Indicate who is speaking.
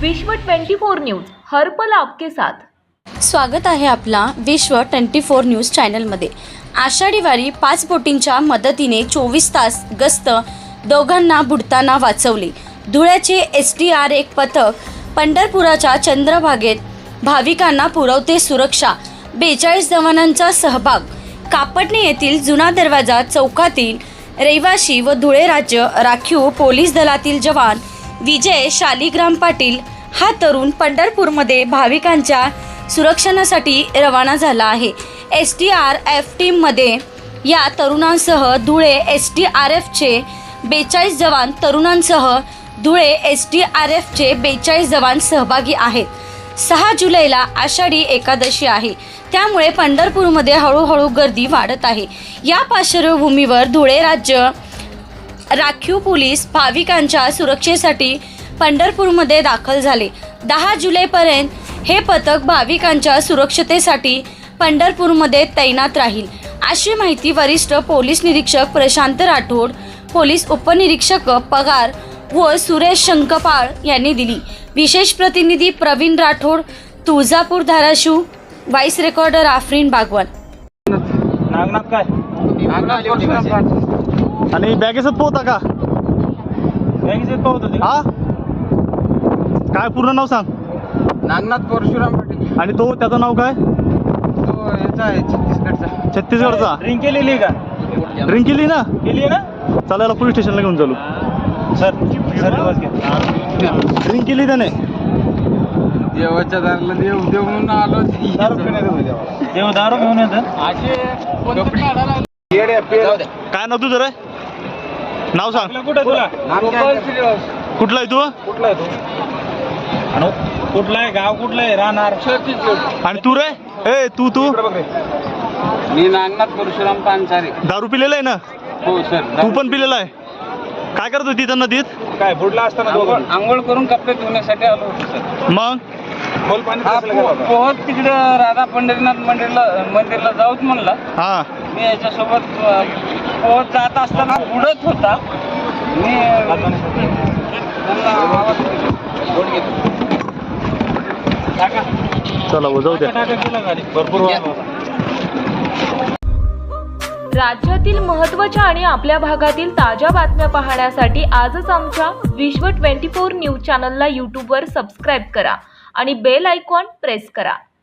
Speaker 1: विश्व 24 न्यूज हर पल आपके साथ।
Speaker 2: स्वागत आहे आपला विश्व 24 न्यूज चॅनलमध्ये। आषाढी वारी 5 बोटींच्या मदतीने 24 तास गस्त दोघांना बुडताना वाचवले। धुळ्याचे SDR1 पथक पंढरपुराच्या चंद्रभागेत भाविकांना पुरवते सुरक्षा। 42 जवानांचा सहभाग। कापटणे येथील जुना दरवाजा चौकातील रहिवासी व धुळे राज्य राखीव पोलीस दलातील जवान विजय शालिग्राम पाटील हा तरुण पंढरपूरमध्ये भाविकांच्या सुरक्षणासाठी रवाना झाला आहे। SDRF टीममध्ये या तरुणांसह धुळे SDRFचे 42 जवान तरुणांसह धुळे SDRFचे 42 जवान सहभागी आहेत। 6 जुलैला आषाढी एकादशी आहे, त्यामुळे पंढरपूरमध्ये हळूहळू गर्दी वाढत आहे। या पार्श्वभूमीवर धुळे राज्य राखीव पोलीस भाविकांच्या सुरक्षेसाठी पंढरपूरमध्ये दाखल झाले। 10 जुलैपर्यंत हे पथक भाविकांच्या सुरक्षतेसाठी पंढरपूरमध्ये तैनात राहील, अशी माहिती वरिष्ठ पोलीस निरीक्षक प्रशांत राठोड, पोलीस उपनिरीक्षक पगार व सुरेश शंकपाळ यांनी दिली। विशेष प्रतिनिधी प्रवीण राठोड, तुळजापूर धाराशिव। Voice recorder Aafreen Bagwan.
Speaker 3: नागनाथ काय
Speaker 4: आणि बॅगेसच पोहता का?
Speaker 3: बँकेत पाहत होते
Speaker 4: हा, काय पूर्ण नाव सांग?
Speaker 5: नागनाथ परशुराम पाटील।
Speaker 4: आणि तो त्याचं नाव काय?
Speaker 5: तो याचा आहे छत्तीसगडचा।
Speaker 4: छत्तीसगडचा।
Speaker 3: ड्रिंक केलेली का?
Speaker 4: ड्रिंक केली ना?
Speaker 3: केली आहे ना?
Speaker 4: चालायला पोलीस स्टेशनला घेऊन चालू।
Speaker 3: सर दिवस घ्या।
Speaker 4: ड्रिंक केली त्याने?
Speaker 5: देवाच्या दाराला देव देव म्हणून आलो।
Speaker 3: देव दारू घेऊन येतं।
Speaker 4: काय नाव तुझं रे? नाव सांग।
Speaker 3: आपलं कुठं तुला?
Speaker 4: कुठला आहे तू?
Speaker 3: कुठला आहे तू? आणि कुठला आहे गाव? कुठलं आहे? राहणार?
Speaker 4: आणि तू रे? ए तू
Speaker 5: मी नागनाथ परशुराम पानसारे।
Speaker 4: दारू पिलेला आहे ना?
Speaker 5: हो सर।
Speaker 4: तू पण पिलेला आहे? काय करत होती त्या नदीत?
Speaker 3: काय बुडला असताना दोघं?
Speaker 5: आंघोळ करून कपडे धुण्यासाठी आलो होतो सर।
Speaker 4: मग
Speaker 3: खोल पाणी
Speaker 5: हा
Speaker 3: कसलं गेलं होतं?
Speaker 5: पोहत तिकडं राधा पंढरीनाथ मंदिरला जाऊच म्हणला।
Speaker 4: हा,
Speaker 5: मी याच्यासोबत पोहत जात असताना बुडत होता। मी त्यांना आवाज दिला।
Speaker 3: टाका
Speaker 4: चला वो जाऊ द्या।
Speaker 3: टाका तुला गाडी भरपूर वाहन होता।
Speaker 1: राज्यातील महत्त्वाच्या आणि आपल्या भागातील ताज्या बातम्या पाहण्यासाठी आजच आमच्या विश्व 24 न्यूज चॅनलला यूट्यूबवर सबस्क्राईब करा आणि बेल आयकॉन प्रेस करा।